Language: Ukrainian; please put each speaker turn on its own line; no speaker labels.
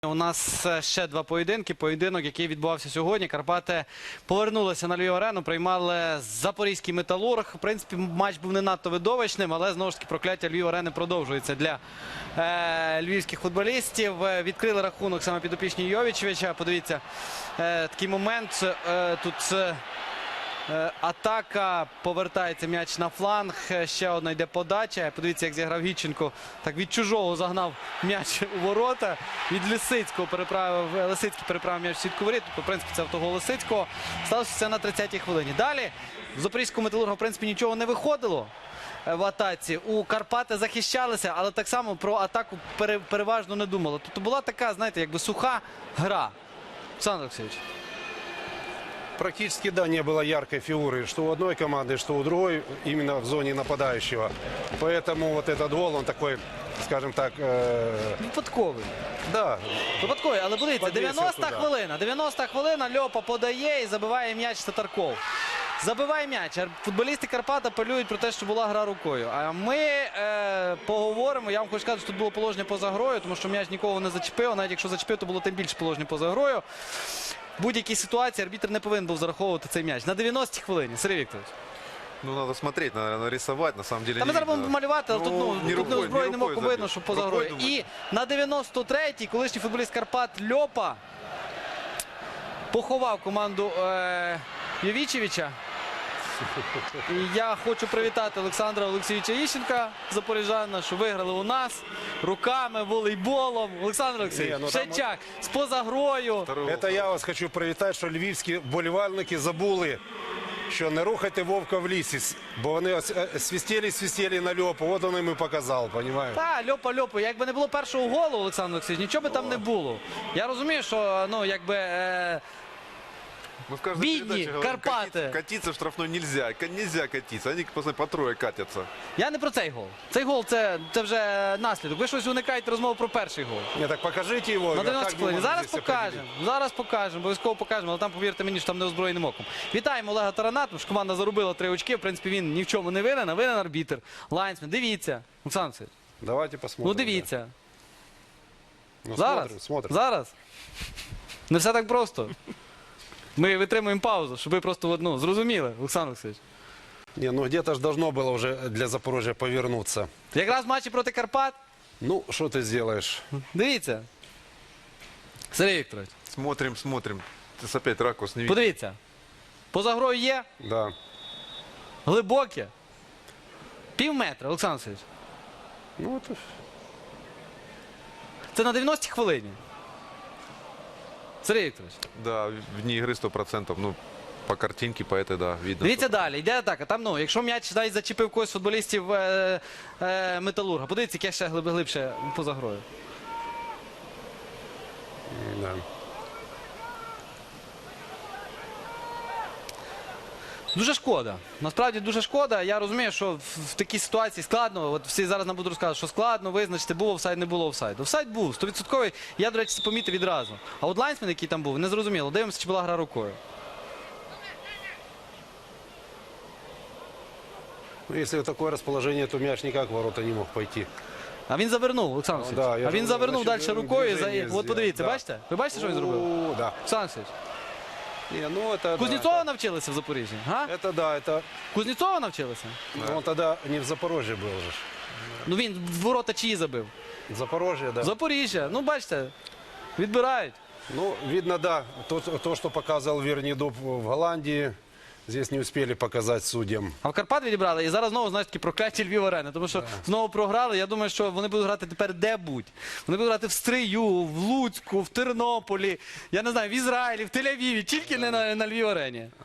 У нас ще два поєдинки. Поєдинок, який відбувався сьогодні. Карпати повернулися на Львів-арену, приймали Запорізький Металург. В принципі, матч був не надто видовищним, але знову ж таки прокляття Львів-арени продовжується для львівських футболістів. Відкрили рахунок саме підопічні Йовічевича. Подивіться, такий момент. Тут атака, повертається м'яч на фланг, ще одна йде подача. Подивіться, як зіграв Гітченко. Так від чужого загнав м'яч у ворота. Від Лисицького Лисицький переправив м'яч в сітку воріт. Тобто, в принципі, це автогол Лисицького. Сталося це на 30-й хвилині. Далі в Запорізькому Металургу, в принципі, нічого не виходило в атаці. У Карпати захищалися, але так само про атаку переважно не думали. Тобто була така, знаєте, якби суха гра. Олександр Олексійович.
Практически, да, не было яркой фигуры, что у одной команды, что у другой, именно в зоне нападающего. Поэтому вот этот гол, он такой, скажем так...
Випадковий.
Да.
Випадковий, але подивіться,
Подвісив
90-та
туди.
хвилина. 90-та хвилина, Льопа подає і забиває м'яч Татарков. Забиває м'яч. Футболісти Карпат апелюють про те, що була гра рукою. А ми поговоримо. Я вам хочу сказати, що тут було положення поза грою, тому що м'яч нікого не зачепив. Навіть якщо зачепив, то було тим більше положення поза грою. В будь-якій ситуації арбітр не повинен був зараховувати цей м'яч. На 90-й хвилині. Сергій Вікторович.
Ну, надо смотреть, наверное, рисовать, на самом деле.
Та ми
не
зараз будемо
видно.
малювати, але тут не озброєним оком видно, що поза
Рукой,
грою.
думаю.
І на 93-й колишній футболіст Карпат Льопа поховав команду Йовічевича. І я хочу привітати Олександра Олексійовича Іщенка, запоріжанина, що виграли у нас руками, волейболом. Олександр Олексійович, Шевчак з поза грою.
Это я вас хочу привітати, що львівські болівальники забули, що не рухайте вовка в лісі, бо вони свистіли на Льопу, от він їм і показав, розумієте?
Та, Льопа. Якби не було першого голу, Олександр Олексійович, нічого би там не було. Я розумію, що, ну, якби...
Мы в каждой
Бедни,
передаче говорим,
Карпаты.
катиться в штрафной нельзя. Нельзя катиться. Они по трое катятся.
Я не про цей гол. Цей гол це вже наслідок. Ви щось уникаєте розмову про перший гол.
Ні, так покажіть його.
На
як
90
ви
хвилин.
можете
Зараз
це
покажемо. Зараз покажемо. Обов'язково покажемо. Але там, повірте мені, що там не озброєним оком. Вітаємо Олега Тарана, тому що команда заробила 3 очки. В принципі, він ні в чому не винен, а винен арбітр. Лайнсмен. Дивіться. Олександр Олексійович.
Давайте посмотрим.
Ну дивіться.
Да. Ну,
Зараз.
смотрим.
Зараз. Не все так просто. Ми витримуємо паузу, щоб ви просто зрозуміли, Олександр Олексійович.
Не, ну где-то ж должно было уже для Запорожья повернуться.
Якраз в матчі проти Карпат.
Ну, что ты сделаешь?
Дивіться. Сергій Вікторович.
Смотрим. Ты опять ракурс не видишь.
Подивіться. Поза грою є.
Да.
Глибоке. Пів метра, Олександр Олексійович.
Ну, это...
Це на 90-й хвилині. Сергій Вікторович.
Да, вне игры 100%. Ну, по картинке, по этой, да, видно.
Дивіться
что-
далі. Йде атака. Там, якщо м'яч навіть зачепив когось з футболістів Металурга. Подивіться, яке ще глибше поза грою.
Да.
Дуже шкода. Насправді дуже шкода. Я розумію, що в такій ситуації складно. От всі зараз нам будуть розказувати, що складно визначити, був офсайд, не було офсайду. Офсайд був, 100%. Я, до речі, це помітив відразу. А от Лайнсмен, який там був, не зрозуміло. Дивимося, чи була гра рукою.
Ну, если такое расположение, то мяч никак в ворота не мог пойти.
А він завернув, Олександр
Ну, да,
Олексійович.
я
А він
ж
завернув
значить,
далі рукою.
движення
От
зробив,
подивіться,
да.
бачите? Ви бачите, що він зробив?
О, да.
Олександр Олексійович.
Не, ну это...
Кузнєцова
да,
навчилися в Запоріжжі? Га?
это да, это...
Кузнєцова навчилися?
Ну, он тогда не в Запорожье был же.
Ну він в ворота чиї забив?
Запорожье, да.
Запоріжжя. Ну, бачите, відбирають.
Ну, видно, да, то, что показывал Вернидуб в Голландии, здесь не успели показать судьям.
А в Карпат відібрали і зараз знову, знаєш, такі прокляті Львів-арени. Тому що знову програли. Я думаю, що вони будуть грати тепер де-будь. Вони будуть грати в Стрию, в Луцьку, в Тернополі, я не знаю, в Ізраїлі, в Тель-Авіві, тільки не на Львів-арені.